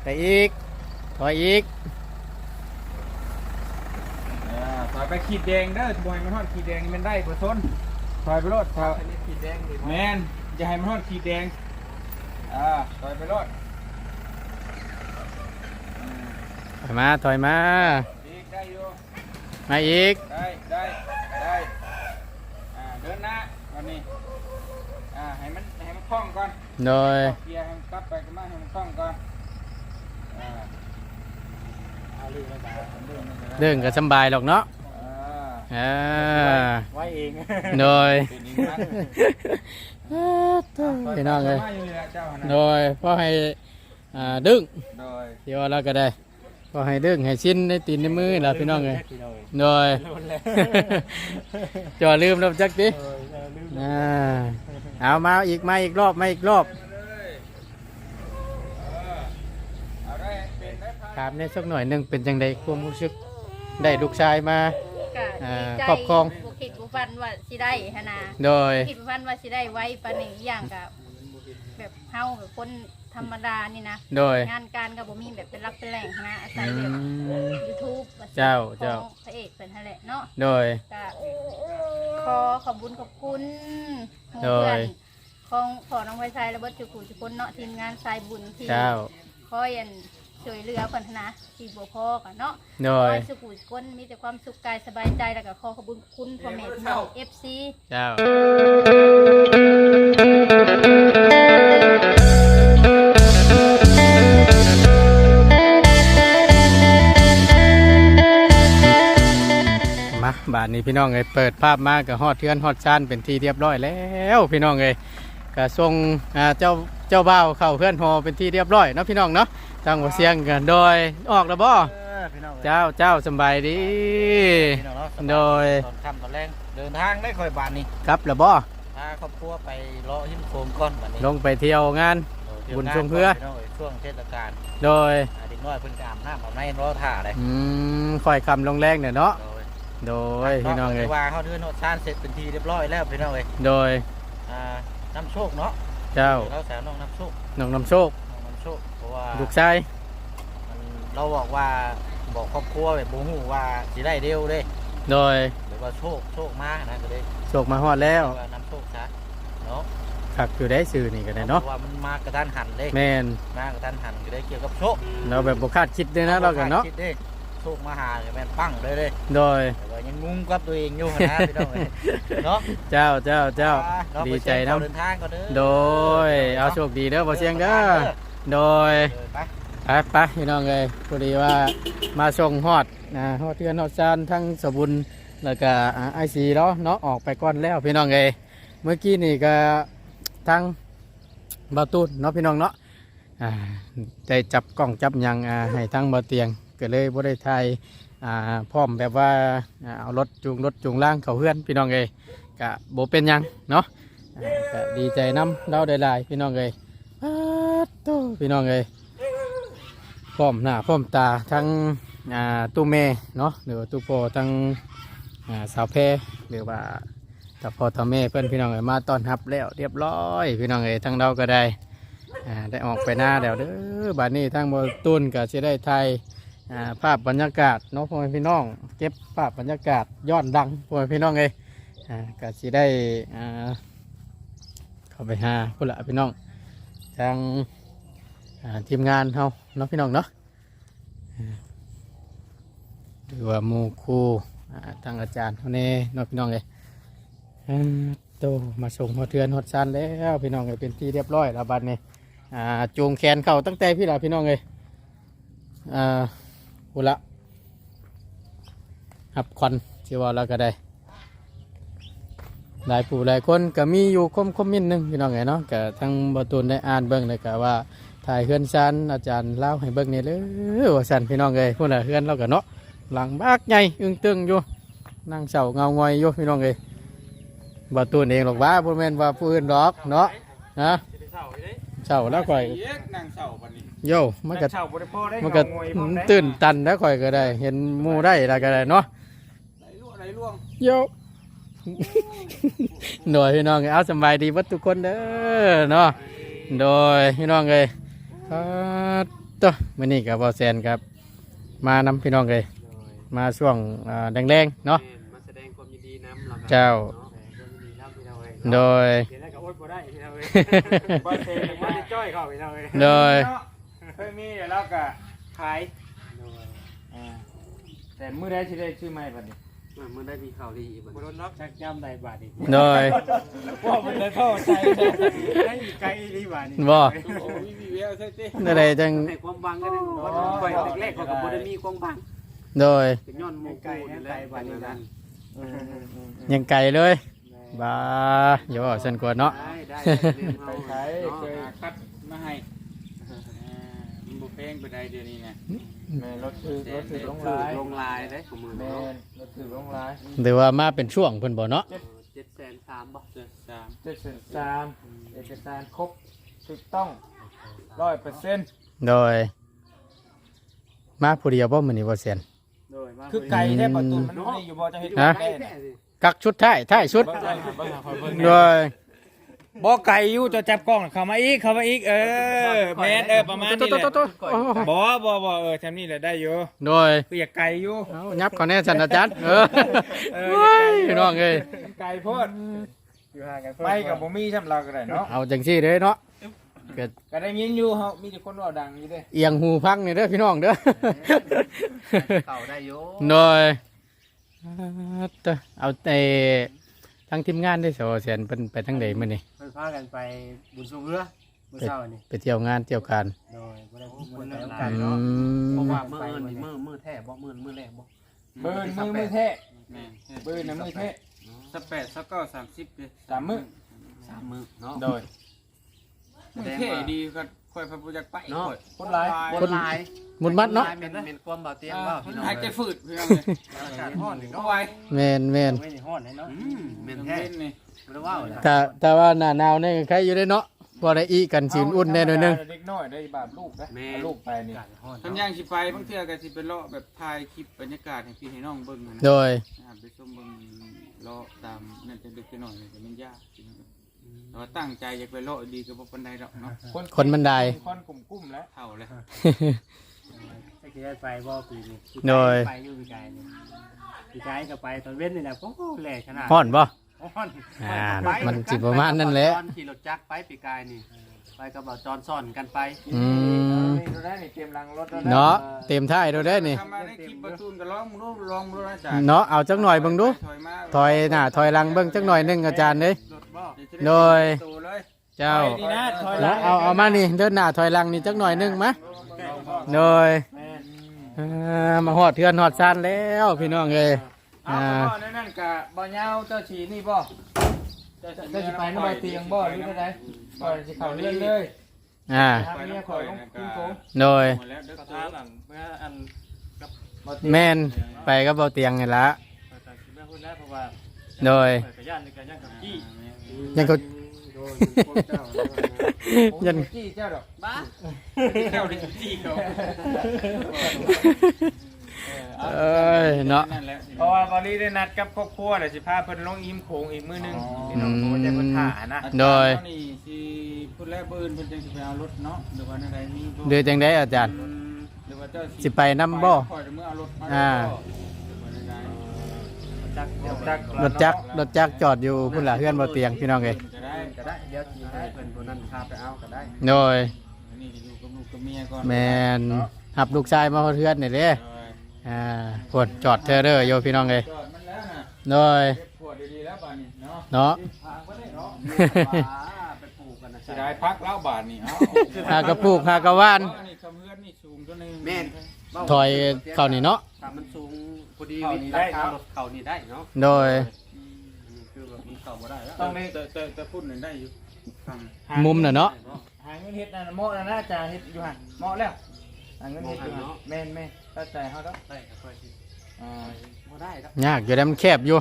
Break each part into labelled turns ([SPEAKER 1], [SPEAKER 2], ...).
[SPEAKER 1] ไปอีกถอยอีก
[SPEAKER 2] ถอยไปขีดแดงเด้อถอยมันทอดขีดแดงมันได้ประชนถอยไปรถถอยขีดแดงแมนจะให้มันทอดขีดแดงถอยไปรถ
[SPEAKER 1] ถอยมาถอยมา
[SPEAKER 2] อีกได้อยู่
[SPEAKER 1] มาอีก
[SPEAKER 2] ได้เดินหน้าวันนี้ให้มันคล่องก่อน
[SPEAKER 1] โดย
[SPEAKER 2] เกียร์ให้มันกลับไปกันมาให้มันคล่องก่อน
[SPEAKER 1] เรื่องก็สบายหรอกเนาะ
[SPEAKER 2] ไว้เอง
[SPEAKER 1] โดยพี่น้องเลยโดยพอให้ดึงเดี๋ยวเราก็ได้พอให้ดึงให้ชิ้นในตีนในมือแล้วพี่น้องเลยโดยจ่อลืมแล้วจักดิเอามาอีกรอบถามในสักหน่อยหนึ่งเป็นจังใดความรู้สึกได้ลูกชายมาครอบครอง
[SPEAKER 3] บุคิดบุฟันว่าสิได้ฮะนะ
[SPEAKER 1] โดย
[SPEAKER 3] คิดบุฟันว่าสิได้ไว้ปานนี้อย่างกับแบบเฮากับคนธรรมดานี่นะ
[SPEAKER 1] โดย
[SPEAKER 3] งานการกับบ่มีแบบเป็นรักเป็นแหล่งนะอาศัยแบบ YouTube
[SPEAKER 1] เจ้า
[SPEAKER 3] พระเอกเป็นนั่นแหละเนาะ
[SPEAKER 1] โดย
[SPEAKER 3] ก็ขอบคุณเพื่อนของพ่อน้องไฟไซและเบิดจุกุจุคนเนาะทีมงานสายบุญที่คอยช่วยเหลือคนนะที่บ่พอกันเนาะ
[SPEAKER 1] โดย
[SPEAKER 3] สุขุมคนมีแต่ความสุขกายสบายใจแล้วก็ขอขอบคุณพ่อแม่พี่น้อง FC
[SPEAKER 1] เจ้ามาบาทนี้พี่น้องเปิดภาพมากับฮอดเทือนฮอดชานเป็นที่เรียบร้อยแล้วพี่น้องก็ส่งเจ้าบ่าวเข้าเพื่อนฮอเป็นที่เรียบร้อยเนาะพี่น้องเนาะทางหัวเสียงกันโดยออกแล้วบ่เจ้าสบายดีโดย
[SPEAKER 2] ตอนค่ำตอนแรงเดินทางได้ค่อยบานนี้
[SPEAKER 1] ครับแล้วบ่
[SPEAKER 2] พาครอบครัวไปเลาะหินโคมก้อนบานนี้
[SPEAKER 1] ลงไปเที่ยวงานบุญชมเพื่อ
[SPEAKER 2] ช่วงเทศกาล
[SPEAKER 1] โดย
[SPEAKER 2] เด็กน้อยเพิ่นกามน้ำอาบในรอท่าเลย
[SPEAKER 1] ค่อยคำลงแรงเนี่ยเนาะโดยพี่น้อง
[SPEAKER 2] ว่าเขาเดินชานเสร็จเป็นทีเรียบร้อยแล้วพี่น้อง
[SPEAKER 1] โดย
[SPEAKER 2] น้ำโชคเนาะ
[SPEAKER 1] เจ้า
[SPEAKER 2] เขาแซวน้องน้ำโชคเพราะว่า
[SPEAKER 1] ลูกชาย
[SPEAKER 2] เราบอกว่าบอกครอบครัวแบบบูฮูว่าสิได้เร็วเลย
[SPEAKER 1] โดย
[SPEAKER 2] หรือว่าโชคมากนะก็เลย
[SPEAKER 1] โชคมาฮอดแล้ว
[SPEAKER 2] น้ำโชคซะเนาะ
[SPEAKER 1] ขับอยู่ได้สื่อนี่กันเนาะ
[SPEAKER 2] ว่ามันมากระทันหันเลย
[SPEAKER 1] แมน
[SPEAKER 2] มากระทันหันก็ได้เกี่ยวกับโชค
[SPEAKER 1] เราแบบบุคาดคิดด้วยนะเรากันเนาะ
[SPEAKER 2] โชคมาหาแมนปั้งเลย
[SPEAKER 1] โดย
[SPEAKER 2] แต่ยังงุ้งกับตัวเองอยู่นะพี่น้องเนาะ
[SPEAKER 1] เจ้าดีใจนะ
[SPEAKER 2] เดินทางก็เด้อ
[SPEAKER 1] โดยเอาโชคดีเด้อบ่เสียงเด้อโดยไปพี่น้องเลยพอดีว่ามาส่งฮอดฮอดเทือนฮอดซานทั้งสบุญแล้วก็ไอซีเนาะออกไปก่อนแล้วพี่น้องเลยเมื่อกี้นี่ก็ทั้งบาตูนเนาะพี่น้องเนาะได้จับกล้องจับยังให้ทั้งบาเตียงก็เลยบ่ได้ถ่ายพร้อมแบบว่าเอารถจูงล่างเขาเพื่อนพี่น้องเลยก็บ่เป็นยังเนาะก็ดีใจน้ำเราได้หลายพี่น้องเลยพี่น้องเลยพร้อมหน้าพร้อมตาทั้งตู้เมเนาะหรือตู้โปทั้งสาวเพหรือว่าตาพ่อตาแม่เพื่อนพี่น้องเอ๋ยมาต้อนรับแล้วเรียบร้อยพี่น้องเอ๋ยทั้งเราก็ได้ได้ออกไปหน้าแล้วเด้อบัดนี้ทั้งบนตุนก็จะได้ถ่ายภาพบรรยากาศเนาะพ่อพี่น้องเก็บภาพบรรยากาศย้อนดังพ่อพี่น้องเอ๋ยก็จะได้เข้าไปหาพุ่นละพี่น้องทางทีมงานเขาเนาะพี่น้องเนาะหรือว่าหมู่ครูทางอาจารย์เขาเน่เนาะพี่น้องเลยโตมาส่งหัวเทือนหัวซานแล้วพี่น้องเลยเป็นที่เรียบร้อยแล้วบัดนี้จูงแขนเข่าตั้งแต่พี่ละพี่น้องเลยพุ่นละหับควันเชื่อว่าเราก็ได้หลายผู้หลายคนก็มีอยู่คอมเมนต์นึงพี่น้องไงเนาะก็ทั้งบตูนได้อ่านเบิ้งเลยก็ว่าถ่ายเฮือนซันอาจารย์เล่าให้เบิ้งนี่เลยว่าซันพี่น้องเลยพวกน่ะเฮือนเราก็เนาะหลังบากใหญ่อึ้งตึงอยู่นั่งเสาเงางอยอยู่พี่น้องเลยบตูนเองหรอกว่าพวกแม่นว่าผู้อื่นหรอกเนาะนะเสาแล้วค่อยโย่มันก็ตื่นตันแล้วค่อยก็ได้เห็นมูได้แล้วก็ได้เนาะโย่โดยพี่น้องเอาสบายดีวัดทุกคนเด้อเนาะโดยพี่น้องเลยโตตัวมื้อนี้กับบ่แซนครับมานำพี่น้องเลยมาช่วงแรงๆเนาะ
[SPEAKER 4] มาแสดงความยินดีนำเรา
[SPEAKER 1] เจ้า โดย
[SPEAKER 4] เดี๋ยวได้กับอดบ่ได้พี่น้องเอ้ยบ่เทบ่ได้จ้อยเข้าพี่น้องเอ้ย
[SPEAKER 1] โดย
[SPEAKER 2] เคยมีแล้วก็ขายแต่มื้อใดสิได้ชื่อใหม่บัดนี้
[SPEAKER 4] มันได้มีข่าวดีอีกบ่โดนล็อกชักย่ำได้บาทอีก
[SPEAKER 1] โดย
[SPEAKER 2] ว่ามันได้เข้าใจ
[SPEAKER 4] ได้ไกลอีบาทนี่
[SPEAKER 1] บ่
[SPEAKER 2] โอ้ยมีแววใช่ติ
[SPEAKER 1] นั่นใดจัง
[SPEAKER 4] ให้ความบังกันว่าไปแรกๆเขาก็บ่ได้มีความบัง
[SPEAKER 1] โดย
[SPEAKER 4] เป็นย้อนหมู่ไกลไกลบาทนี้นั่น
[SPEAKER 1] ยังไกลเลยบ้าอย่าว่าซั่นกว่าเนาะ
[SPEAKER 4] ได้
[SPEAKER 2] ไปขายเคยคัดมาให้มันบ่แพงปานใดเดี๋ยวนี้นะแม่รถถือลงลาย
[SPEAKER 4] ลงลายได้ของมือ
[SPEAKER 2] แม่
[SPEAKER 4] เนาะ
[SPEAKER 2] รถถือลงลาย
[SPEAKER 1] หรือว่ามาเป็นช่วงเพิ่นบ่เนาะ
[SPEAKER 4] 703บ่
[SPEAKER 2] 703เอกสารครบถูกต้อง 100%
[SPEAKER 1] โดย มาผู้เดียวบ่มื้อนี้บ่แซน
[SPEAKER 4] โดยมา
[SPEAKER 2] คือไก่แท้ประตูมันไม่อยู่บ่จะเฮ็ด
[SPEAKER 1] ฮะ
[SPEAKER 2] ไก่
[SPEAKER 1] กักชุดท้ายชุด โดย
[SPEAKER 2] บ่ไก่อยู่จะจับกล้องเข้ามาอีกแม่นประมาณนี้แหละบ่ทำนี่แหละได้อยู่
[SPEAKER 1] โดย
[SPEAKER 2] คืออยากไก่อยู่
[SPEAKER 1] เอายับก่อนแน่ซั่นอาจารย์โอ้ยพี่น้องเอ้ย
[SPEAKER 2] ไก่โพด
[SPEAKER 4] อยู่ห่างกัน
[SPEAKER 2] ไปกับบ่มีสำหรับก็ได้เนาะ
[SPEAKER 1] เอาจังซี่เด้อเนาะก็
[SPEAKER 2] ก็ได้ยินอยู่เฮามีแต่คนเว้าดังอยู่เด้
[SPEAKER 1] เอียงหูพังนี่เด้อพี่น้องเด้อ
[SPEAKER 4] เข้าได้อยู่
[SPEAKER 1] โดยเอาแต่ทั้งทีมงานได้สอเสียนเป็นไปทั้งใดมื้อนี้
[SPEAKER 4] เพิ่นพากันไปบุญสูงเรือมื้อเช้านี่
[SPEAKER 1] ไปเที่ยวงานเที่ยวการ
[SPEAKER 4] โดยบ่ได้โอกา
[SPEAKER 1] อื
[SPEAKER 4] สเนาะ เพราะ
[SPEAKER 1] ม
[SPEAKER 4] ว่ามื้ออื่นนี่มื้อแท้บ่มื้อแรกบ่
[SPEAKER 2] เบิ่นมือแท้เบิ่นน่ะมือแท้
[SPEAKER 5] 18 29 30เลย
[SPEAKER 2] สามมื้อ
[SPEAKER 4] 3มื้อเนาะ
[SPEAKER 2] โดย
[SPEAKER 5] มือเท่ดีก็ค่อยพระพุทธจักไป
[SPEAKER 4] เนาะ
[SPEAKER 5] ค่อย
[SPEAKER 2] คนหลาย
[SPEAKER 4] คนหลาย
[SPEAKER 1] หมุนมัดเนาะ
[SPEAKER 4] เป็นความเบาเตียงว่าพี่น้อง
[SPEAKER 5] หายใจฝืดเพื่อนเลย
[SPEAKER 4] อากาศร้อนนี่
[SPEAKER 5] ก็
[SPEAKER 4] เนาะ
[SPEAKER 5] ไว้
[SPEAKER 1] แม่น
[SPEAKER 4] ไม่ได้ร้อนเนาะแม่น
[SPEAKER 5] น้ำ
[SPEAKER 4] แท้
[SPEAKER 5] เล่นนี่
[SPEAKER 4] บ่ได้ว้าวเลย
[SPEAKER 1] แต่ว่าหน้าหนาวนี่ใครอยู่ได้เนาะบ่ได้อีกันสิอุ่นแน่หน่อยนึง
[SPEAKER 2] เด็กน้อยได้บาปลูกนะลูกไปนี่
[SPEAKER 4] อากาศร้อน
[SPEAKER 5] ทำย่างสิไปบางเทื่อก็สิไปเลาะแบบถ่ายคลิปบรรยากาศให้พี่ให้น้องเบิ่งนะ
[SPEAKER 1] โดย
[SPEAKER 5] ไปชมเบิ่งเลาะตามนั่นจะดึกไปหน่อยแต่มันยากแต่ว่าตั้งใจอยากไปเลาะดีก็บ่ปานใดดอกเนาะ
[SPEAKER 1] คนบันได
[SPEAKER 2] คนกลุ่มแล้ว
[SPEAKER 5] เท่าเลย
[SPEAKER 4] จะคิดได้ไปบ่ปีนี้
[SPEAKER 1] โดย
[SPEAKER 4] ไปอยู่ปีกายนี่ปีกายก็ไปตอนเว้นนี่แหละโอ้โหแหลกขนาด
[SPEAKER 1] ฮ้อนบ่
[SPEAKER 4] ฮ้อน
[SPEAKER 1] มันสิประมาณนั้นแหละ
[SPEAKER 4] ตอนขี่รถจักรไปปีกายนี่ไปกับบ่าวจอนซ่อนกันไป
[SPEAKER 1] อืม
[SPEAKER 2] นี่ดูได้นี่เตรียมรังรถ
[SPEAKER 1] เนาะเต็มท้ายโดได้นี่
[SPEAKER 5] ทำมาได้คลิปประตูนก็ลองดูนะจ๊ะ
[SPEAKER 1] เนาะเอาจักหน่อยเบิ่งดู
[SPEAKER 5] ถอยมา
[SPEAKER 1] ถอยหน้าถอยหลังเบิ่งจักหน่อยหนึงอาจารย์เด้ย
[SPEAKER 4] รถบ่
[SPEAKER 1] โดย
[SPEAKER 5] ตัวเลย
[SPEAKER 1] เจ้า
[SPEAKER 2] นี่นะถอย
[SPEAKER 1] แล้วเอามานี่เดินหน้าถอยหลังนี่จักหน่อยหนึงมาโดยมาฮอดเทือนฮอดซานแล้วพี่น้องเอ้ย
[SPEAKER 2] เอาบ่นั่นกะบ่ยาวเจ้าฉีนี่บ่เจ้าสิไปนำบ่เตียงบ่หรือไดบ่สิเข้าเรือนเลย
[SPEAKER 1] อ่า
[SPEAKER 2] ทางนี้ข่อยลงกินโกง
[SPEAKER 1] โดย
[SPEAKER 5] หมดแล้วเด้อ
[SPEAKER 4] ก็ทานหลังเมื่ออัน
[SPEAKER 1] แม่นไปก็เบาเตียงนี่ละ
[SPEAKER 4] แต่คิดแม่พูดแล้วเพราะว่า
[SPEAKER 1] โดย
[SPEAKER 4] เปิดกระย่านในการย่างกับกี้
[SPEAKER 1] ยังก็
[SPEAKER 4] โดนพวกเจ้า
[SPEAKER 1] ยัน
[SPEAKER 2] จี้เจ้าดอก
[SPEAKER 4] บ้า
[SPEAKER 5] เจ้าดิจี้เขา
[SPEAKER 1] เอ้ยเนาะ
[SPEAKER 5] นั่นแหละ
[SPEAKER 2] เพราะว่าบอลี่ได้นัดกับครอบครัวเดี๋ยวสิพาเพิ่นลงอิ่มโขงอีกมื้อนึงพี่น้องโทรใจเพิ่นถ่านะ
[SPEAKER 1] โดย
[SPEAKER 5] นี่สิพูดแล้วเบิ่นเพิ่นจังสิไปเอารถเนาะหรือว่าอะไรมีบ่
[SPEAKER 1] โดยจังได้อาจารย์
[SPEAKER 5] หรือว่าเจ้า
[SPEAKER 1] สิไปนำบ่
[SPEAKER 5] คอยเมื่อเอารถมา
[SPEAKER 1] อ่า
[SPEAKER 4] จักเดี๋ยวจัก
[SPEAKER 1] รถจักรจอดอยู่พุ่นละเฮือนเบาเตียงพี่น้องเอ้ย
[SPEAKER 5] จะได้
[SPEAKER 4] ก็ได้เดี๋ยวจีให้เพิ่นคนนั้นพาไปเอาก็ได้
[SPEAKER 1] โดย
[SPEAKER 5] นี่อยู่กับลูกกับเมียก่อน
[SPEAKER 1] แม่นหับลูกชายมาเฮือนนี่เด้
[SPEAKER 5] โดย
[SPEAKER 1] พุ่นจอดเทอเด้อโยพี่น้องเอ้ย
[SPEAKER 5] จอดมันแล้วน่ะ
[SPEAKER 1] โดย
[SPEAKER 5] เก็บขวดดีๆแล้วบาดนี้เนาะ
[SPEAKER 1] เนาะ
[SPEAKER 5] ทางบ่ได้เนาะ
[SPEAKER 4] ไปปลูกกันนะ
[SPEAKER 5] สิได้พักแล้วบาดนี้เอ้า
[SPEAKER 1] หากระปลูกหากระว่าน
[SPEAKER 5] นี่คำเฮือนนี่สูงตัวนึง
[SPEAKER 4] แม่น
[SPEAKER 1] ถอยเข้านี่เนาะ
[SPEAKER 4] ถ้ามันสูงพอดีวิธีราคารถเขานี่ได้เนาะ
[SPEAKER 1] โดย
[SPEAKER 4] คือแบบมันเข้าบ่ได้แล้ว
[SPEAKER 2] ต้องได้
[SPEAKER 5] แต่พูดหนึ่งได้อยู่ฟัง
[SPEAKER 1] มุมน่ะเนาะ
[SPEAKER 2] หาเงินเฮ็ดนั่นเหมาะแล้วนะจ้าเฮ็ดอยู่หั่นเหมาะแล้วหาเงินเฮ็ดอยู่หั่นแม่นๆเข้าใจเฮาดอก
[SPEAKER 4] ได้ก็ค่อยสิ
[SPEAKER 2] อ่า
[SPEAKER 4] บ่ได้แล้ว
[SPEAKER 1] ยากอยู่แล้วมันแคบอยู่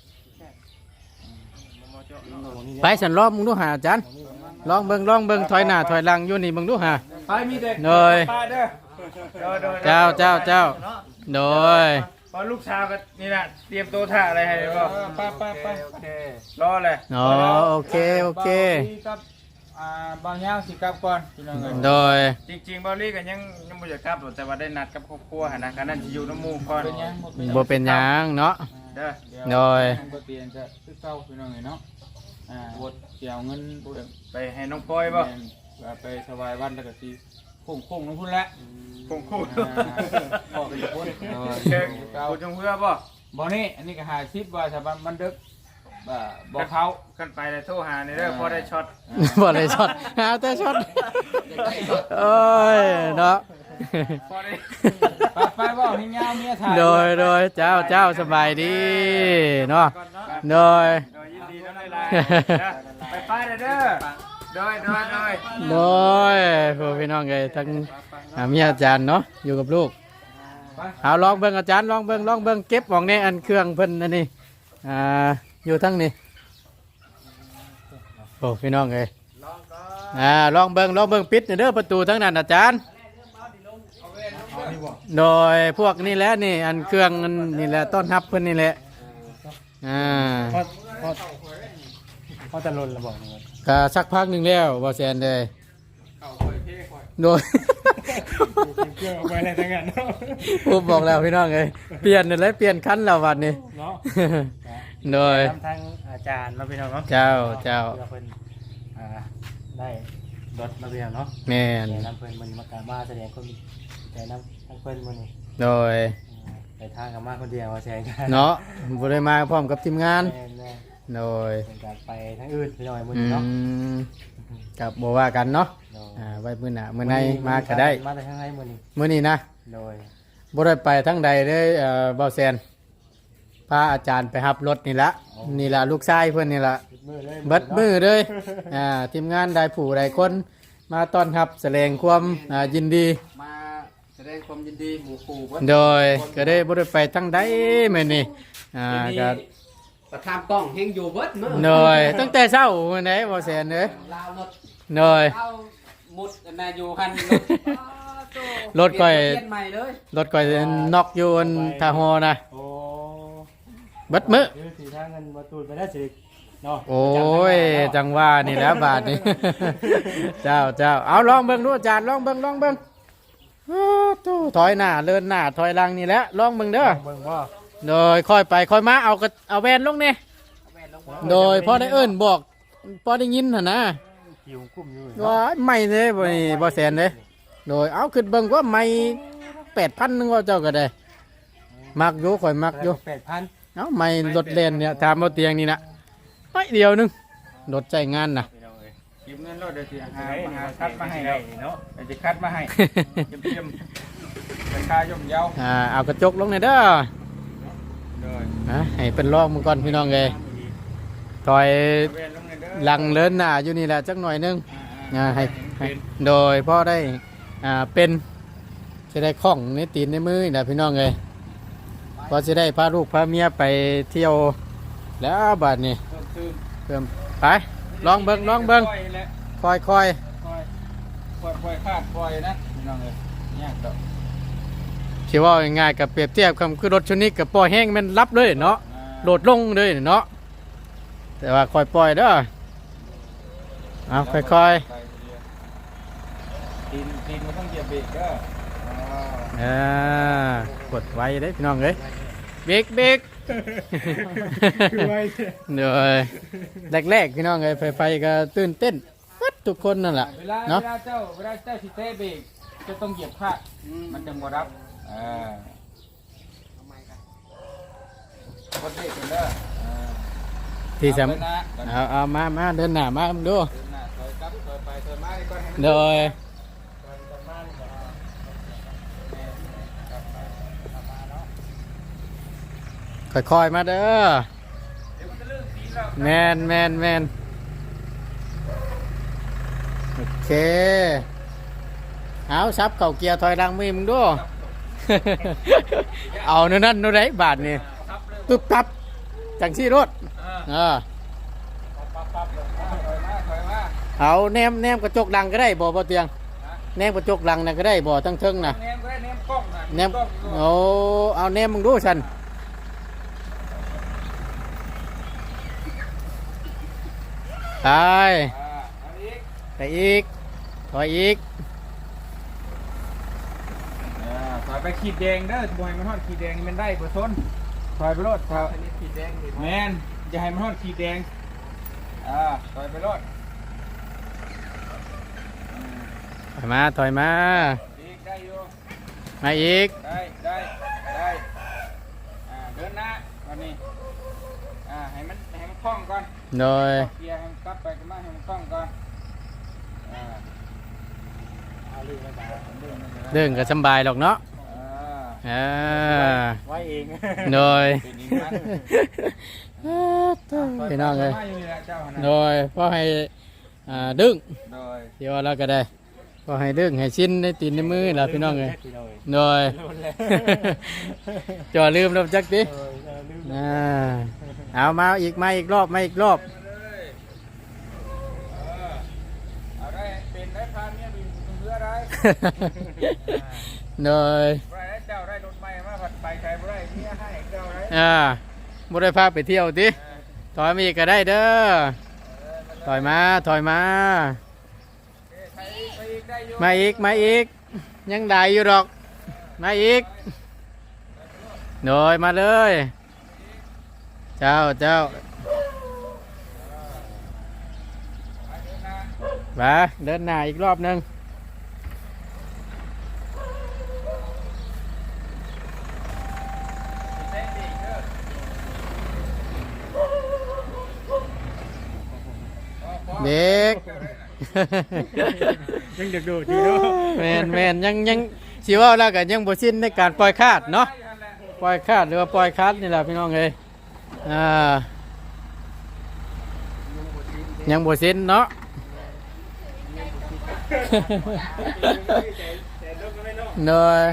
[SPEAKER 1] ไปฉันลองมึงดูหาอาจารย์ลองเบิ่งถอยหน้าถอยหลังอยู่นี่มึงดูหา
[SPEAKER 2] ไปมีเด็ก
[SPEAKER 1] โดย
[SPEAKER 2] ป้าเด้อโดย
[SPEAKER 1] เจ้าโดย
[SPEAKER 2] พอลูกสาวก็นี่น่ะเตรียมตัวท่าอะไรให้บ่ป้า
[SPEAKER 4] โอเค
[SPEAKER 2] รอเลย
[SPEAKER 1] อ๋อโอเค
[SPEAKER 2] ครับ
[SPEAKER 5] บางอย่างสิกลับก่อนพี่น้องเอ้ย
[SPEAKER 1] โดย
[SPEAKER 5] จริงๆบอลลี่ก็ยังบ่อยากกลับหรอกแต่ว่าได้นัดกับครอบครัวหั่นนะการนั้นสิอยู่น้ำหมู่ก่อนเป็นยัง
[SPEAKER 1] บ่เป็นหยังเนาะ
[SPEAKER 5] เด้อ
[SPEAKER 1] โดย
[SPEAKER 5] บ่เปลี่ยนจะคือเก่าพี่น้องเอ้ยเนาะบดเกี่ยวเงินไปให้น้องปอยบ่ไปสบายวันแล้วก็สิโค้งๆน้องพุ่นละโค้งๆบอกไปอยู่พุ่นเชิงกูจงเพื่อบ่นี่อันนี้ก็50ว่าถ้ามันดึกบ่เขากันไปแล้วโทรหานี่เด้อพอได้ช็อต
[SPEAKER 1] บ่ได้ช็อตหาแต่ช็อตโอ้ยเนาะ
[SPEAKER 5] พอได้ไปบ่ให้ยาวเมียถ่าย
[SPEAKER 1] โดยเจ้าสบายดีเนาะโดย
[SPEAKER 5] ยินดีน้ำลายไปเด้อโดย
[SPEAKER 1] โดยพ่อพี่น้องเอ้ยทั้งมีอาจารย์เนาะอยู่กับลูกเอาลองเบิ่งอาจารย์ลองเบิ่งเก็บของในอันเครื่องเพิ่นอันนี้อยู่ทั้งนี้โอ้พี่น้องเอ้ยลองเบิ่งปิดเด้อประตูทั้งนั้นอาจารย์โดยพวกนี่แหละนี่อันเครื่องนี่แหละต้อนรับเพิ่นนี่แหละ
[SPEAKER 4] พอจะลนระบอกนี่
[SPEAKER 1] ก็สักพักหนึงแล้วบ่แซนเลยโดย
[SPEAKER 4] เครื่องเอาไปอะไรทั้งนั้นเนาะ
[SPEAKER 1] ผมบอกแล้วพี่น้องเอ้ยเปลี่ยนเลยเปลี่ยนคันแล้ววันนี้
[SPEAKER 4] เนาะ
[SPEAKER 1] โดย
[SPEAKER 4] ทำทางอาจารย์มาพี่น้องเนาะ
[SPEAKER 1] เจ้า
[SPEAKER 4] เพิ่นได้รถมาพี่น้องเนาะ
[SPEAKER 1] แม่น
[SPEAKER 4] แต่น้ำเพิ่นมันมากามาแสดงคนแต่น้ำทั้งเพิ่นมันนี่
[SPEAKER 1] โดย
[SPEAKER 4] ไปทางกับมาคนเดียวแชร์กัน
[SPEAKER 1] เนาะบ่ได้มาพร้อมกับทีมงาน
[SPEAKER 4] แน่
[SPEAKER 1] โดย
[SPEAKER 4] เป็นการไปทั้งอื่นพี่น้องมื้อ
[SPEAKER 1] อื
[SPEAKER 4] นี้เนาะ
[SPEAKER 1] มกับบ่ว่ากันเนาะ
[SPEAKER 4] โดย
[SPEAKER 1] ไว้มื้อหน้ามื้อในมาก็ได้
[SPEAKER 4] มาแต่ทางไหนมื้อนี้
[SPEAKER 1] มื้อนี้นะ
[SPEAKER 4] โดย
[SPEAKER 1] บ่ได้ไปทั้งใดเลยเบ่แซนพาอาจารย์ไปรับรถนี่ละนี่ละลูกชายเพิ่นนี่ละ
[SPEAKER 4] มือเลย
[SPEAKER 1] เบิดมือเลยทีมงานได้ผู้ได้คนมาต้อนรับแสดงความยินดี
[SPEAKER 5] มาแสดงความยินดีหมู่ครู
[SPEAKER 1] โดยก็ได้บ่ได้ไปทั้งใดมื้อนี้ก็
[SPEAKER 6] ประทามกล้องเฮงอยู่เบิดมื้อ
[SPEAKER 1] โดยตั้งแต่เช้ามื้อไหนบ่แซนเด้อ
[SPEAKER 6] ลาวรถ
[SPEAKER 1] โดย
[SPEAKER 6] เอามุดกันนาอยู่คัน
[SPEAKER 1] รถก้อย
[SPEAKER 6] เปลี่ยนใหม่เลย
[SPEAKER 1] รถก้อยนอกอยู่อันท่าฮอนะ
[SPEAKER 4] โอ้
[SPEAKER 1] เบิดมื้อ
[SPEAKER 4] ยืสีทางเงินมาตูนไปได้สิเนาะ
[SPEAKER 1] โอ้ยจังว่านี่แหล้วบาทนี่ เจ้าเอาลองเบิ่งดูอาจารย์ลองเบิ่งตู้ถอยหน้าเดินหน้าถอยหลังนี่แหละลองเบิ่งเด้อ
[SPEAKER 4] เบิ่งว่า
[SPEAKER 1] โดยค่อยไปค่อยมาเอาแวนลงนี่โดยพอได้เอิ้นบอกพอได้ยินหั่นนะ
[SPEAKER 4] หิวกุ้มอยู่
[SPEAKER 1] ว่าไม่เด้บ่นี่บ่แสนเด้โดยเอาขึ้นเบิ่งว่าไม่ 8,000นึงว่าเจ้าก็ได้มักอยู่ข่อยมักอยู่
[SPEAKER 4] 8,000
[SPEAKER 1] เอาไม่รถเล่นเนี่ยตามเอาเตียงนี่นะไปเดียวนึงรถใจงานน่ะ
[SPEAKER 5] เก็บเงินรถเดี๋ยวสิหาคัดมาให้แล้ว
[SPEAKER 4] เนาะ
[SPEAKER 5] เดี๋ยวจะคัดมาให้เยี่ยมราคาย่อมเยา
[SPEAKER 1] เอากระจกลงหน่อยเด้อ
[SPEAKER 5] โดย
[SPEAKER 1] ให้เป็นรองมึงก่อนพี่น้องเอ้ยถอย
[SPEAKER 5] เวียนลงในเด้อ
[SPEAKER 1] หลังเลินหน้าอยู่นี่แหละจักหน่อยนึงให้โดยพ่อได้เป็นจะได้คล่องในตีนในมือนี่นะพี่น้องเอ้ยพอจะได้พาลูกพาเมียไปเที่ยวแล้วบัดนี้
[SPEAKER 5] ตื่น
[SPEAKER 1] เพิ่มไปลองเบิ่ง ค่อย
[SPEAKER 5] ปล่อยคาดปล่อยนะพี่น้องเอ้ยยากดอก
[SPEAKER 1] คิดว่าง่ายๆกับเปรียบเทียบคำคือรถชนิดกับปล่อยแห้งมันรับเลยเนาะโดดลงเลยเนาะแต่ว่าค่อยปล่อยเด้อเอาค่อย
[SPEAKER 5] ตีนมันต้องเหยียบเบรกเด้อ
[SPEAKER 1] ๆกดไว้ได้พี่น้องเอ้ยเบรก
[SPEAKER 4] คือไว้
[SPEAKER 1] เดี๋ยวแรกๆพี่น้องเอ้ยไฟก็ตื่นเต้นวัดทุกคนนั่นแหละ
[SPEAKER 5] เวลา
[SPEAKER 1] เนาะ
[SPEAKER 5] เจ้าสิเตะเบรกจะต้องเหยียบคาดมันจะบ่รับกดเบรกกันเด้อ
[SPEAKER 1] ที่ส
[SPEAKER 5] เอาไปนะ
[SPEAKER 1] ำเอามาเดินหน้ามาดู
[SPEAKER 5] เดินหน้าถอยกลับถอยไปถอยมาดีกว่าให้มัน
[SPEAKER 1] โดยค่อยๆมาเด้อ
[SPEAKER 5] เดี๋ยวมันจะลื่นสีแล้ว
[SPEAKER 1] แมนโอเคเอาซับเก่าเกียร์ถอยหลังมือมึงดู เอาโนั่นโน่นได้บาทนี่ตุ๊บตับจังซี่รถ
[SPEAKER 5] ปั๊บถอยมา
[SPEAKER 1] เอาแนมกระจกดังก็ได้บ่เตียงแนมกระจกดังน่ะก็ได้บ่ทั้งเทิงน่ะ
[SPEAKER 5] แนมก็ได้แนมกล้องนะ
[SPEAKER 1] แนม
[SPEAKER 5] กล้องอยู่
[SPEAKER 1] โอ้เอาแนมมึงดูฉันไป
[SPEAKER 5] อันนี้
[SPEAKER 1] ไปอีกถอยอีก
[SPEAKER 2] ถอยไปขีดแดงเด้อบ่ให้มันฮอดขีดแดงนี่มันได้บ่ซนถอยไปโลดถอย
[SPEAKER 6] อันนี้ขีดแดงนี่
[SPEAKER 2] แม่นอย่าให้มันฮอดขีดแดงถอยไปโลด
[SPEAKER 1] ถอยมาถอยมา
[SPEAKER 2] อีกได้อยู่
[SPEAKER 1] มาอีก
[SPEAKER 2] ได้เดินหน้าวันนี้ให้มันคล่องก่อน
[SPEAKER 1] โดย
[SPEAKER 2] เคลียร์ให้มันกลับไปกันมาให้มันคล่องก่อนเอาลื่นแล้วจ้ะลื่นแล้วจ้ะ
[SPEAKER 1] เรื่องก็สำบายหรอกเนาะ
[SPEAKER 2] อ่า
[SPEAKER 1] ไว้เอง โดย
[SPEAKER 2] เป็นอีกมัน
[SPEAKER 1] พี่น้องเลย
[SPEAKER 2] มาอยู่นี่แหละเจ้าหั่นน่ะ
[SPEAKER 1] โดยพอให้ดึง
[SPEAKER 2] โดย
[SPEAKER 1] เดี๋ยวเราก็ได้พอให้ดึงให้ชิ้นในตีนในมือแล้วพี่น้องเลยโดยจ่อลืมแล้วจักดิเอามาอีกรอบ
[SPEAKER 2] เอาได้เป็นได้พาเมียบินเพื่อได้
[SPEAKER 1] โดย
[SPEAKER 2] ได้เจ้าได้รถใหม่มาผัดไปใครบ่ได้เมียให้เจ้าได้
[SPEAKER 1] บ่ได้พาไปเที่ยวติถอยมาอีกก็ได้เด้อถอยมามาอีกยังได้อยู่ดอกมาอีกโดยมาเลยเจ้ามาเดินหน้าอีกรอบหนึงเด็ก
[SPEAKER 4] ยังเด็กดูดีเนาะ
[SPEAKER 1] แมนยังสิว่าแล้วก็ยังบ่สิ้นในการปล่อยคาดเนาะปล่อยคาดหรือว่าปล่อยคัดนี่แหละพี่น้องเอ้ยยังบ่สิ้นเนาะ เนย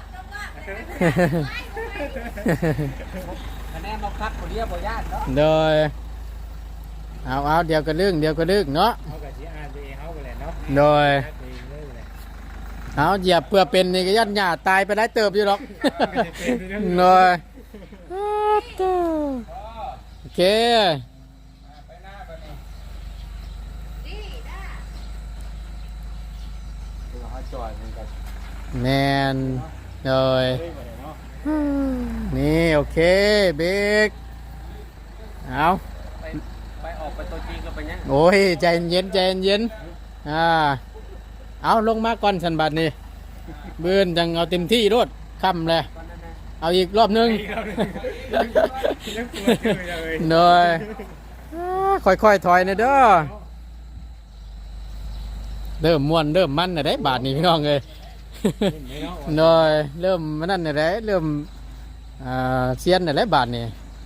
[SPEAKER 6] คะแนนเราคัดบ่เรียบบ่ญาติเนาะ
[SPEAKER 1] เนยเอาเดี๋ยวก็ลึกเนาะ
[SPEAKER 4] เขากับที่อ่านตัวเองเขาไปแหละเนาะ
[SPEAKER 1] โดย
[SPEAKER 4] เองเลยแหละ
[SPEAKER 1] เอาเหยียบเพื่อเป็นนี่ก็ยันหญ้าตายไปได้เติบอยู่หรอกเนยโอเค
[SPEAKER 2] ไปหน้าไปนี่
[SPEAKER 6] เขาจอดมันก็
[SPEAKER 1] แมนโดยนี่โอเคเบรกเอา
[SPEAKER 6] ไปออกไปตัวจริงก็ไปยัง
[SPEAKER 1] โอ้ยใจเย็นเอาลงมาก่อนสันบัดนี่เบือนจังเอาเต็มที่รถค่ำเลยเอาอีกรอบหนึงโดยค่อยถอยนะเด้อเริ่มม่วนเริ่มมันนะได้บาทนี่พี่น้องเลยโดยเริ่มมันนั่นนะได้เริ่มเซียนนะได้บาทนี่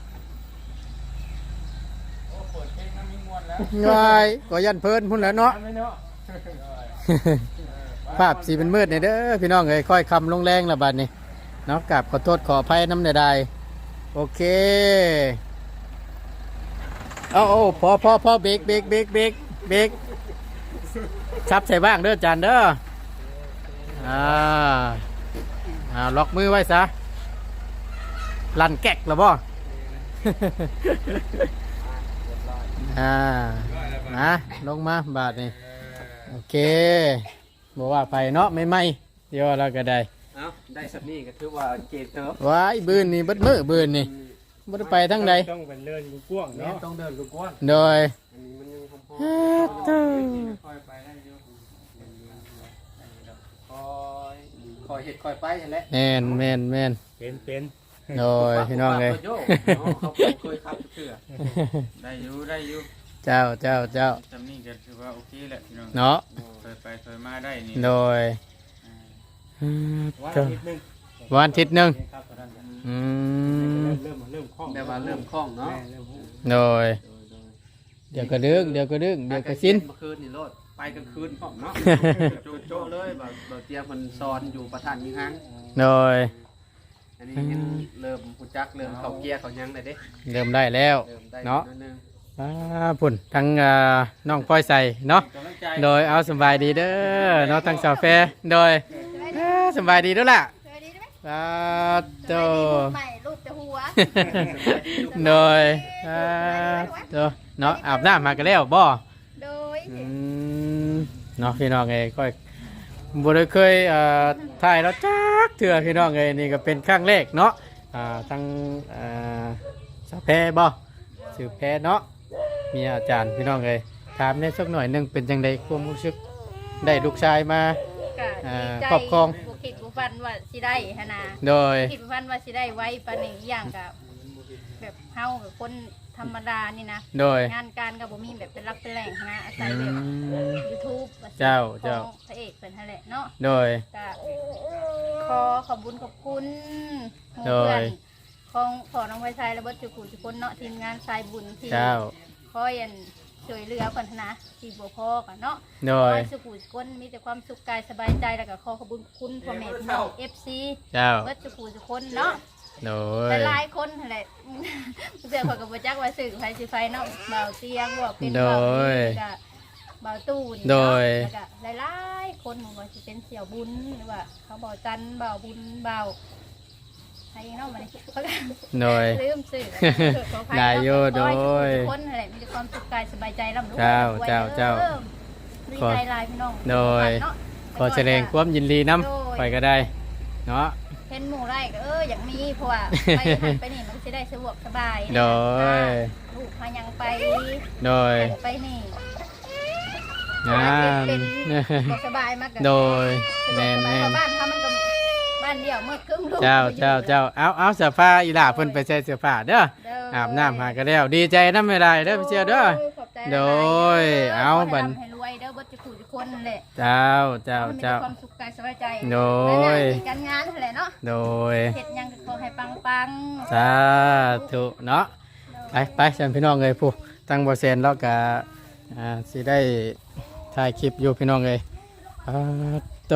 [SPEAKER 2] โอ้เปิดเพลงน้ำมีมวนแล้ว
[SPEAKER 1] ง่ายก็ยันเพลินพุ่นแล้วเนาะ ภาพสีเป็นมืดเนี่ยเด้อพี่น้องเอ้ยค่อยคำลงแรงละบาดนี่เนาะกราบขอโทษขออภัยน้ำใดๆโอเคเอาพอเบรกชับใส่บ้างเด้อจานเด้อล็อกมือไว้ซะลั่นแก๊กละบ่ นะลงมาบาทนี่โอเคบอกว่าไปเนาะไม่เดี๋ยวเราก็ได้
[SPEAKER 6] เอ้าได้สักนี่ก็ถือว่าเกตเติบ
[SPEAKER 1] ว้ายบืนนี่บัดมือบืนนี่บัดไปทั้งใด
[SPEAKER 4] ต้องเป็นเลื่อนกว้าง
[SPEAKER 6] แม่
[SPEAKER 4] เนาะ
[SPEAKER 6] ต้องเดินลูกก้อน
[SPEAKER 1] โดย
[SPEAKER 6] อันนี้มันยังพอ
[SPEAKER 2] ค่อยไปได้อยู่
[SPEAKER 6] คอยเห็ดคอยไปเห็นแล้ว
[SPEAKER 1] แมน
[SPEAKER 4] เป็น
[SPEAKER 1] โดยพี่น้องเลย
[SPEAKER 6] เขาเคยขับเชื่อ
[SPEAKER 2] ได้อยู่
[SPEAKER 1] เจ้า
[SPEAKER 2] จำนี่ก็ถือว่าโอเคแหละพี่น้อง
[SPEAKER 1] เนาะ
[SPEAKER 2] เคยไปเคยมาได้นี่
[SPEAKER 1] โดย
[SPEAKER 4] ว่านิดนึง
[SPEAKER 1] วันอาทิตย์หนึง
[SPEAKER 4] ครับตอนนั้น
[SPEAKER 1] อืม
[SPEAKER 4] เริ่มคล่อง
[SPEAKER 6] แต่ว่าเริ่มคล่องเนาะ
[SPEAKER 4] เริ่ม
[SPEAKER 1] โดยเดี๋ยวก็ดึงเดี๋ยวก็สิ้น
[SPEAKER 6] เมื่อคืนนี่โลดไปกลางคืนพร้อมเนาะโจเลยบ่เตียมันซอนอยู่ประธานยิงหัง
[SPEAKER 1] โดย
[SPEAKER 6] อันนี้ยังเริ่มผู้จักเริ่มเข้าเกียร์เขายังเลยเด้
[SPEAKER 1] เริ่มได้แล้ว
[SPEAKER 6] เริ่มได้
[SPEAKER 1] เนาะ
[SPEAKER 6] นิดนึง
[SPEAKER 1] พุ่นทั้งน้องปอยใส่เนาะ
[SPEAKER 2] กำลังใจ
[SPEAKER 1] โดยเอาสบายดีเด้อเนาะทั้งสาวแฟร์โดยสบายดีด้วยล่ะ
[SPEAKER 3] เคยดีได้ไหม
[SPEAKER 1] โต
[SPEAKER 3] ใหม่รูปแต่หัว
[SPEAKER 1] โดยโตเนาะอาบน้ำมากันแล้วบ่
[SPEAKER 3] โดย
[SPEAKER 1] อืมเนาะพี่น้องเอ้ยค่อยบ่ได้เคยถ่ายแล้วจักเถื่อพี่น้องเอ้ยนี่ก็เป็นครั้งแรกเนาะทั้งสาวแพรบ่ชื่อแพรเนาะมีอาจารย์พี่น้องเอ้ยถามได้สักหน่อยหนึงเป็นจังไดความรู้สึกได้ลูกชายมา
[SPEAKER 3] ก็ดีใจ
[SPEAKER 1] ครอบครอง
[SPEAKER 3] บ่คิดบ่ฝันว่าสิได้หันน่ะ
[SPEAKER 1] โดย
[SPEAKER 3] คิดบ่ฝันว่าสิได้ไว้ปานนี้อีกอย่างก็แบบเฮากับคนธรรมดานี่นะ
[SPEAKER 1] โดย
[SPEAKER 3] งานการก็บ่มีแบบเป็นหลักเป็นแหล่งนะอาศัย
[SPEAKER 1] อื
[SPEAKER 3] แบบ
[SPEAKER 1] ม
[SPEAKER 3] YouTube
[SPEAKER 1] เจ้า
[SPEAKER 3] ของพระเอกเป็นนั่นแหละเนาะ
[SPEAKER 1] โดย
[SPEAKER 3] ก็ขอบคุญขอบคุณหมู่
[SPEAKER 1] โดย
[SPEAKER 3] เพื่อนของพ่อน้องไฟไซและเบิดจุกุทุกคนเนาะทีมงานสายบุญที่
[SPEAKER 1] เจ้า
[SPEAKER 3] คอยอันช่วยเหลือกันนะที่บ่พอกันเนาะ
[SPEAKER 1] โด
[SPEAKER 3] ขอย สุขุทุกคนมีแต่ความสุขกายสบายใจแล้วก็ขอขอบคุญคุณพ่อแม่พี่น้อง FC
[SPEAKER 1] เจ้า
[SPEAKER 3] เบิดจุกุทุกคนเนาะ
[SPEAKER 1] โด
[SPEAKER 3] แต่
[SPEAKER 1] ย
[SPEAKER 3] หลายคนนั่นแหละเสือขอยกับบ่จักว่าสื่อไฟสิไฟเนาะเบาเตียงว่าเป็น
[SPEAKER 1] โด
[SPEAKER 3] เบาย ก็เบาตู้นี่
[SPEAKER 1] โด
[SPEAKER 3] เนาะ
[SPEAKER 1] ย
[SPEAKER 3] แล้วก็หลายๆคนบ่ว่าสิเป็นเสี่ยวบุญหรือว่าเขาเบาจันทร์เบาบุญเบาใครเนาะมันเขาก็
[SPEAKER 1] โดย
[SPEAKER 3] ลืมสื่อขออภั
[SPEAKER 1] ได้อยู่
[SPEAKER 3] เนาะขอให้
[SPEAKER 1] โดย
[SPEAKER 3] ทุกคนนั่นแหละมีแต่ความสุขกายสบายใจร่ำรวย
[SPEAKER 1] เจ้าร
[SPEAKER 3] วย
[SPEAKER 1] เจ้าเจ้า
[SPEAKER 3] ด้อดีใจหลายพี่น้อง
[SPEAKER 1] โดย
[SPEAKER 3] เนาะ
[SPEAKER 1] ขอแสดงความยินดีน้
[SPEAKER 3] โดย
[SPEAKER 1] ำไปก็ได้เนาะ
[SPEAKER 3] เห็นหมู่ไรก็อยากมีเพราะว่าไปหันไปนี่มันจะได้สะดวกสบาย
[SPEAKER 1] โดย
[SPEAKER 3] ลูกพายังไป
[SPEAKER 1] โดย
[SPEAKER 3] ไปนี่
[SPEAKER 1] งาม
[SPEAKER 3] เป็นบ่สบายมาก
[SPEAKER 1] โดย
[SPEAKER 3] แน่
[SPEAKER 1] แน่
[SPEAKER 3] น
[SPEAKER 1] น
[SPEAKER 3] บ้านเขามันก็บ้านเดียวเมื่อครึ่งลูก
[SPEAKER 1] เจ้าเจ้าเจ้าเอาเสื้อผ้าอีหล่าเพิ่นไปใส่เสื้อผ้าเด้อ
[SPEAKER 3] เด้อ
[SPEAKER 1] อาบน้ำหาก็แล้วดีใจน้ำไม่ได้เด้อพี่เชียวเด้อ
[SPEAKER 3] ขอบใจ
[SPEAKER 1] โดยเอาบั
[SPEAKER 3] บั
[SPEAKER 1] ด
[SPEAKER 3] นให้รวยเด้อเบิดจะขู่ทุกคนนั่นแหละ
[SPEAKER 1] เจ้าเจ้า
[SPEAKER 3] ให้มี
[SPEAKER 1] เจ้า
[SPEAKER 3] ความสุขกายสบายใจ
[SPEAKER 1] โดย
[SPEAKER 3] และหน้าที่การงานนั่นแหละเนาะ
[SPEAKER 1] โดย
[SPEAKER 3] เฮ็ดหยังก็ขอให้ปัง
[SPEAKER 1] สาธุเนาะไปฉันพี่น้องเลยผู้ตั้งบ่เซนแล้วก็สิได้ถ่ายคลิปอยู่พี่น้องเลยตัว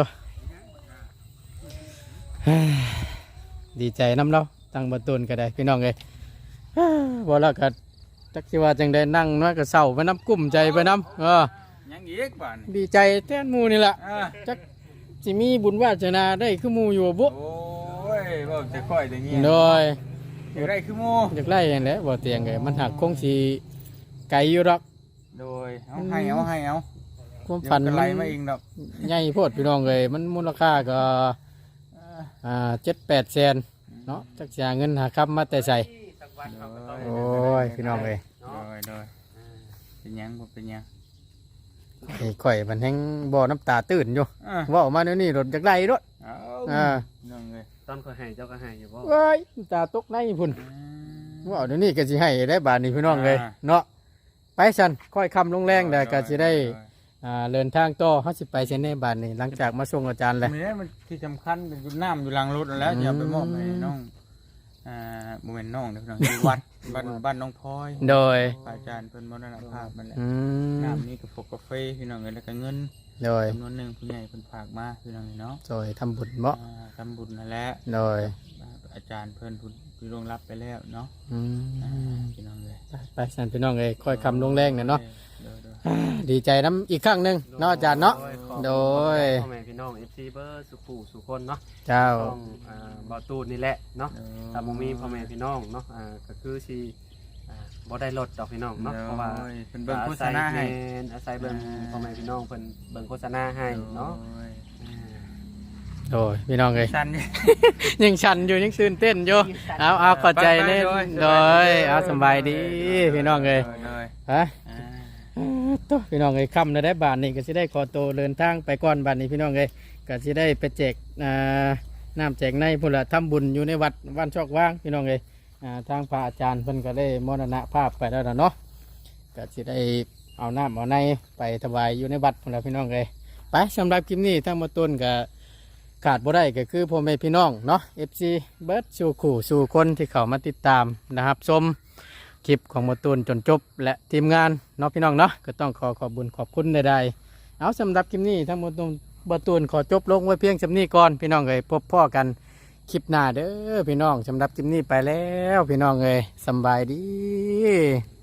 [SPEAKER 1] ดีใจน้ำเราตั้งบตูนก็ได้พี่น้องเลยบ่แล้วก็จักสิว่าจังได้นั่งน้อยก็เศร้าไปน้ำกุ้มใจไปน้ำ
[SPEAKER 2] ยังอีกบ้านนี่
[SPEAKER 1] ดีใจแทนหมู่นี่แหละ
[SPEAKER 2] อ่า
[SPEAKER 1] จักสิมีบุญวาสนาได้คือหมู่อยู่บุ
[SPEAKER 2] โอ้ยบ่จะค่อยอย่างงี้
[SPEAKER 1] โดย
[SPEAKER 2] อยากได้คือหมู
[SPEAKER 1] อยากไล่อย่างนี้บ่เตียงเลยมันหักคงสีไกลอยู่หรอก
[SPEAKER 2] โดยเอาให้เอา
[SPEAKER 1] ความ
[SPEAKER 2] เดี๋ยว
[SPEAKER 1] ฝัน
[SPEAKER 2] ก็
[SPEAKER 1] มั
[SPEAKER 2] ไล่
[SPEAKER 1] น
[SPEAKER 2] มาเองดอก
[SPEAKER 1] ใหญ่โพดพี่น้องเลยมันมูลค่าก็7-8 แสนเนาะจักสิหาเงินหาคำมาแต่ใส่โอ้ยพี่น้องเลย
[SPEAKER 2] โดยเป็นหยังบ่เป็นหยัง
[SPEAKER 1] ไอ้ข่อยมันแห้งบ่อน้ำตาตื่นอยู่
[SPEAKER 2] อ่า
[SPEAKER 1] เว่าออกมาเดี๋ยวนี้รถจากไล่รถ
[SPEAKER 2] เอา
[SPEAKER 1] อ่า
[SPEAKER 2] น้องเลย
[SPEAKER 6] ตอนเขาให้เจ้าก็ให้อยู่บ่
[SPEAKER 1] เว้ยน้ำตาตกในพุ่นเว่าเดี๋ยวนี้ก็สิให้ได้บาทนี้พี่น้องเลยเนาะไปสันค่อยคำลงแรงแต่ก็สิได้เดินทางต่อเขาสิไปเส้นในบาทนี้หลังจากมาส่งอาจารย์เลย
[SPEAKER 2] มีนี่มันที่สำคัญเป็นอยู่น้ำอยู่หลังรถนั่นแหล้วอย่าไปมอบให้น้องบ่แม่นน้องเด้อพี่น้องอยู่วัดบ้านน้องพลอย
[SPEAKER 1] โดย
[SPEAKER 2] พระอาจารย์เพิ่นมรณภาพมันแหละ
[SPEAKER 1] อืม
[SPEAKER 2] น้ำนี่กาแฟพี่น้องเอ้ยแล้วก็เงิน
[SPEAKER 1] โดย
[SPEAKER 2] จำนวนหนึงผู้ใหญ่เพิ่นฝากมาพี่น้องเอ้ยเนาะ
[SPEAKER 1] โดยทำบุญเมาะ
[SPEAKER 2] ทำบุญนั่นแหละ
[SPEAKER 1] โดย
[SPEAKER 2] อาจารย์เพิ่นผู้ล่วงลับไปแล้วเนาะ
[SPEAKER 1] อืม
[SPEAKER 2] พี่น้องเลย
[SPEAKER 1] ไปสันพี่น้องเลยค่อยคำลงแรงเนี่ยเนาะ
[SPEAKER 2] โดย
[SPEAKER 1] ดีใจน้ำอีกครั้งหนึ่งเนาะอาจารย์เนาะโดย
[SPEAKER 6] พ่อแม่พี่น้อง FC เบอร์สุขูสุคนเนาะ
[SPEAKER 1] เจ้า
[SPEAKER 6] ต้องบ่าวตูดนี่แหละเนาะถ้าบ่มีพ่อแม่พี่น้องเนาะก็คือสิบ่ได้ลดดอกพี่น้องเนาะเพราะว่า
[SPEAKER 2] เพิ่นเบิ่งโฆษณาให้
[SPEAKER 6] อาศัยเบิ่งพ่อแม่พี่น้องเพิ่นเบิ่งโฆษณาให้เนาะ
[SPEAKER 1] โดยพี่น้องเลย
[SPEAKER 2] สั้น
[SPEAKER 1] ยังชันอยู่ยังตื่นเต้นอยู่เอาเข้าใจเล่นโดยเอาสบายดีพี่น้องเลยฮะตัวพี่น้องเลยค่ำได้บาทนี่ก็สิได้ขอโตวเดินทางไปก่อนบาทนี้พี่น้องเลยก็สิได้ไปแจกน้ำแจกในพุ่นละทำบุญอยู่ในวัดวันชอกว่างพี่น้องเลยทางพระอาจารย์เพิ่นก็ได้มรณภาพไปแล้วเนาะก็สิได้เอาน้ำเอาในไปถวายอยู่ในวัดพุ่นละพี่น้องเลยไปสำหรับคลิปนี้ทั้งหมดต้นก็ขาดบ่ได้ก็คือพ่อแม่พี่น้องเนาะ FC เบิร์ดสู่ขู่สู่คนที่เขามาติดตามนะครับชมคลิปของหมดต้นจนจบและทีมงานเนาะพี่น้องเนาะก็ต้องขอบคุญขอบคุณใดๆเอาสำหรับคลิปนี้ทั้งหมดต้นบตูนขอจบลงไว้เพียงสำนี้ก่อนพี่น้องเลยพบพ่อกันคลิปหน้าเด้อพี่น้องสำหรับคลิปนี้ไปแล้วพี่น้องเลยสำบายดี